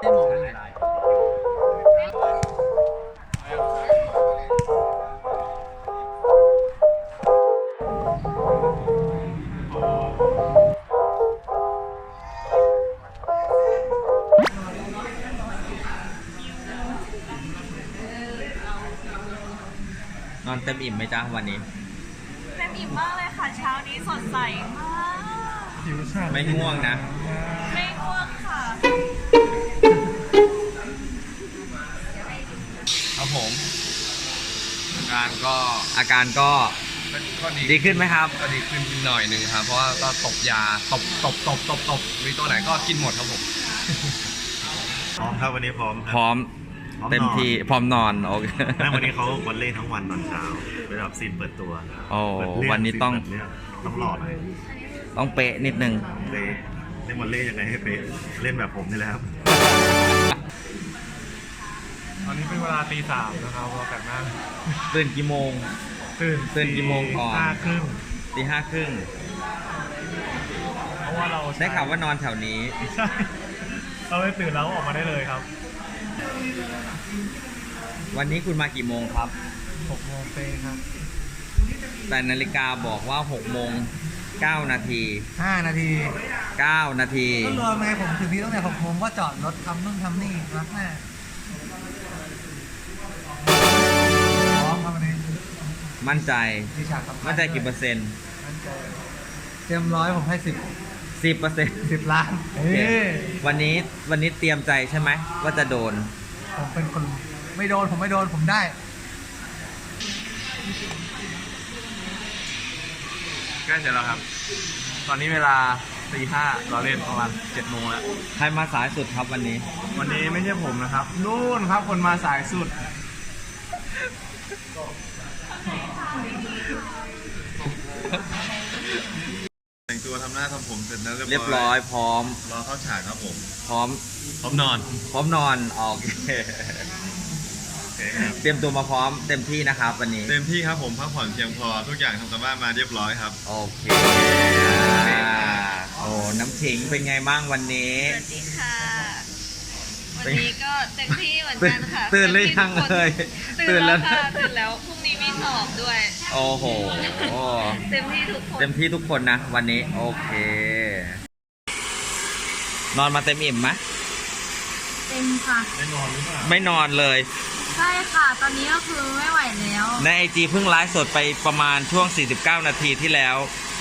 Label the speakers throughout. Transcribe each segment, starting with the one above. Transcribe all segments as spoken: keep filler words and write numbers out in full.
Speaker 1: ได้มองได้ไง
Speaker 2: นอนเต็มอิ่มไหมจ๊ะวันนี้
Speaker 3: เต็มอิ่มมากเลยค่ะเช้านี้สดใสมาก
Speaker 2: ไม่ง่วงนะ
Speaker 3: ไม่ง่วงค่ะ
Speaker 2: ครับผมอาการก็อาการก็ก็ดีขึ้นไหมครับ
Speaker 4: ก็ดีขึ้นหน่อยหนึ่งครับเพราะว่าก็ตบยาตบตบตบตบตบมีตัวไหนก็กินหมดครับผม
Speaker 5: พร้อมครับวันนี้พร้อม
Speaker 2: พร้อมเต็มที่พร้อมนอนโอเค
Speaker 5: วันนี้เขาวันเล่ทั้งวันตอนเช้าเป็นแบบซีนเปิดตัว
Speaker 2: โอ้วันนี้ต้อง
Speaker 5: ต้องหล่อหน่อย
Speaker 2: ต้องเป๊ะนิดนึง
Speaker 5: เล่เล่นวันเล่ยังไงให้เป๊ะเล่นแบบผมนี่แหละครับ
Speaker 6: ตอนนี้เป็นเวลาตีสามนะครับเราแต่งหน้า
Speaker 2: ตื่นกี่โมง
Speaker 6: ตื่น
Speaker 2: ตื่นกี่โมงก่อน
Speaker 6: ห้าครึ่ง
Speaker 2: ตีห้าครึ่ง
Speaker 6: เพราะว่าเรา
Speaker 2: ได้ข่าวว่านอนแถวนี้
Speaker 6: ใช่เราเลยตื่นแล้วออกมาได้เลยครับ
Speaker 2: วันนี้คุณมากี่โมงครับ
Speaker 6: หกโมงเป๊ะครับ
Speaker 2: แต่นาฬิกาบอกว่าหกโมงเก้านาที
Speaker 1: ห้านาที
Speaker 2: เก้านาที
Speaker 1: ก็รวมไงผมถึงที่ตั้งแต่หกโมงก็จอดรถทำนู่นทำนี่รักแม่พร้อมครับวันนี้
Speaker 2: มั่นใจมั่นใจกี่เปอร์เซ็นต์
Speaker 1: มั่นใจเต็มร้อยผมให้สิบ
Speaker 2: สิบเปอร์เซ็นต์
Speaker 1: สิบล้าน
Speaker 2: วันนี้วันนี้เตรียมใจใช่ไหมว่าจะโดน
Speaker 1: ผมเป็นคนไม่โดนผมไม่โดนผมได้
Speaker 4: ใกล้เสร็จแล้วครับตอนนี้เวลาตีห้าเราเล่นประมาณเจ็ดโมงแล้ว
Speaker 2: ใครมาสายสุดครับวันนี้
Speaker 4: วันนี้ไม่ใช่ผมนะครับนู่นครับคนมาสายสุดแต่งตัวทำหน้าทำผมเสร็จแล้ว
Speaker 2: เรียบร้อยพร้อม
Speaker 4: รอเข้าฉากครับผม
Speaker 2: พร้อม
Speaker 4: พร้อมนอน
Speaker 2: พร้อมนอนโอเคเตรียมตัวมาพร้อมเต็มที่นะครับวันนี้
Speaker 4: เต็มที่ครับผมพักผ่อนเพียงพอทุกอย่างทำกันบ้านมาเรียบร้อยครับ
Speaker 2: โอเคโอ้น้ำขิงเป็นไงบ้างวันนี้
Speaker 3: สวัสดีค่ะวันนี้ก็เต็มที่เหมือนกันค่ะ
Speaker 2: ตื่นหรือยังเลย
Speaker 3: ตื่นแล้วค่ะตื่นแล้วพรุ่งนี้มีสอบด้วย
Speaker 2: โอ้โห
Speaker 3: เต็มที่ทุกคน
Speaker 2: เต็มที่ทุกคนนะวันนี้โอเคนอนมาเต็มอิ่มไหม
Speaker 3: เต็มค่ะ
Speaker 2: ไม่นอนหรือเปล่าไม่นอนเลย
Speaker 3: ใช่ค่ะตอนนี้ก็คือไม่ไหวแล้ว
Speaker 2: ในไอจีเพิ่งไลฟ์สดไปประมาณช่วงสี่สิบเก้านาทีที่แล้ว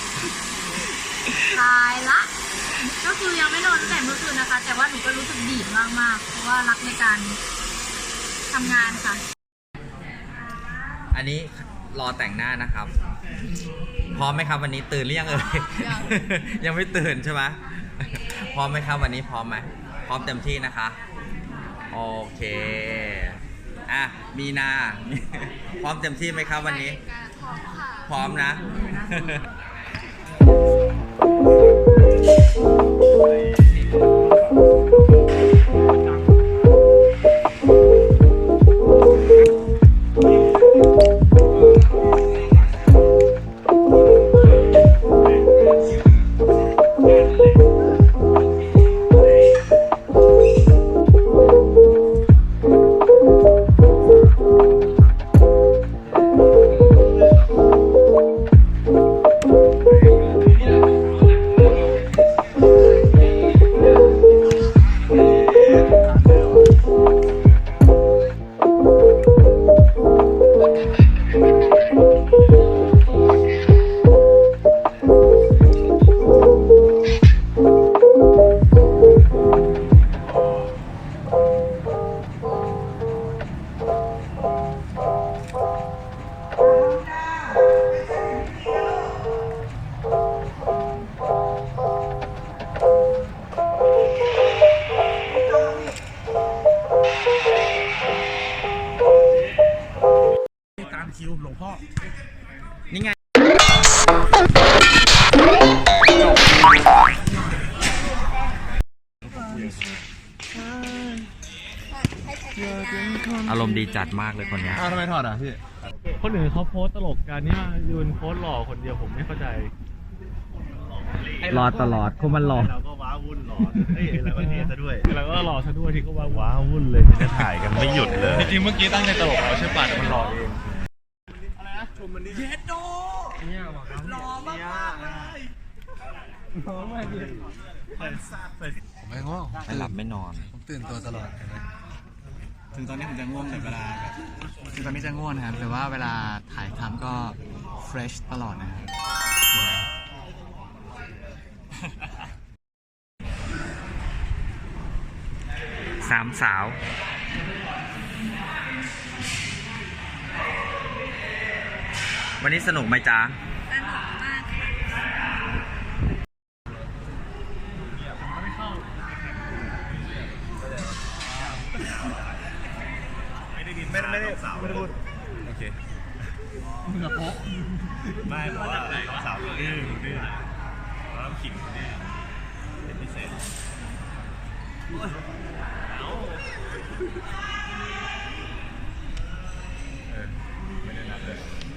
Speaker 3: ตายละก็คือยังไม่นอนตั้งแต่เมื่อคืนนะคะแต่ว่าหนูก็รู้สึกดีมากๆเพราะว่ารักในการทำงานค่ะ
Speaker 2: อันนี้รอแต่งหน้านะครับพร้อมไหมครับวันนี้ตื่นหรือยังเอ่ยยังไม่ตื่นใช่ไหมพร้อมไหมครับวันนี้พร้อมไหมพร้อมเต็มที่นะคะโอเคอ่ะมีนาพร้อมเต็มที่ไหมครับวันนี้พร้อมนะ
Speaker 6: คิวหลวงพ่อ
Speaker 2: นี่ไงอารมณ์ดีจัดมากเลยคนนี้
Speaker 4: อ้าวทำไมถอดอ่ะพี่
Speaker 6: คนอื่นเขาโพสตลกกันนี่มายืนโพสหล่อคนเดียวผมไม่เข้าใจ
Speaker 2: รอตลอดคนมันหล่อ
Speaker 5: วุ่นหรอเฮ้ยแล้วก็เทซะด้วย
Speaker 6: แล้วก็รอซะด้วยที่ก็ว่า
Speaker 5: ว้าวุ่นเลยจะถ่ายกันไม่หยุดเลย
Speaker 6: จริงๆเมื่อกี้ตั้งใจตลกเราใช่ป่ะแต่มันรอเอง
Speaker 1: ผมไม่ง่วง
Speaker 2: ไม่หลับไม่นอน
Speaker 1: ผมตื่นตัวตลอดเลยนะ
Speaker 7: ถึงตอนนี้ผมจะง่วงแต่เวลาแบบถึงตอนนี้จะง่วงนะครับแต่ว่าเวลาถ่ายทำก็ fresh ตลอดนะครับ
Speaker 2: สามสาว วันนี้สนุกไหมจ๊ะ
Speaker 3: สนุกมากค่ะ
Speaker 5: ไม่ได้ไม่ได้ไม่ได้พูดโอเคมึงอะโป๊ะไม่เพราะว่าสาวดื้อดื้อเราต้องขิงดื้อเป็นพิเศษเออไม่ได้นัดเลย